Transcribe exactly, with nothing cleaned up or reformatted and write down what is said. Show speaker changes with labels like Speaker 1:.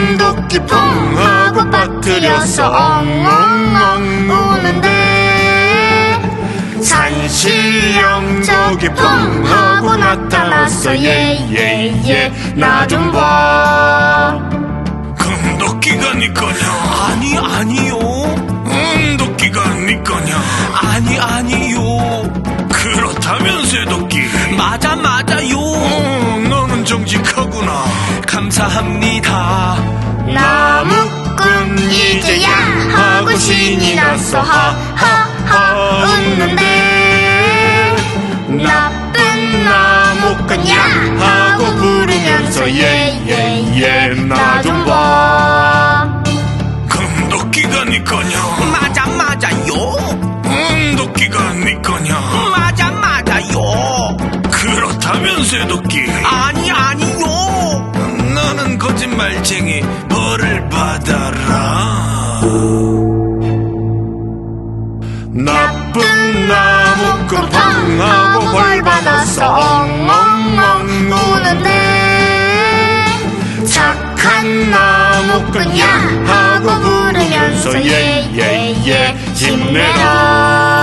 Speaker 1: 큰 도끼 펑 하고 빠뜨려서 엉엉엉 우는데 산신령 저기 펑 하고 나타났어. 예예예 나 좀 봐.
Speaker 2: 큰 도끼가 니 거냐?
Speaker 3: 아니 아니요.
Speaker 2: 응 도끼가 니 거냐?
Speaker 3: 아니 아니요.
Speaker 2: 그렇다면 쇠도끼.
Speaker 3: 맞아 맞아요.
Speaker 2: 어, 너는 정직하구나.
Speaker 3: 감사합니다.
Speaker 1: 나무꾼 이제야 하고 신이 났어. 하하하 웃는데 나쁜 나무꾼야 하고 부르면서 예예예 나 좀 봐.
Speaker 2: 큰 도끼가 니 거냐?
Speaker 3: 맞아 맞아요.
Speaker 2: 응 도끼가 니 거냐?
Speaker 3: 맞아 맞아요.
Speaker 2: 그렇다면 쇠도끼.
Speaker 3: 아니 아니요.
Speaker 2: 너는 거짓말쟁이. 벌을 받아라.
Speaker 1: 나쁜 나무꾼 펑 하고 벌 받았어. 엉엉엉 우는데 착한 나무꾼야 하고 부르면서 예예예 힘내라.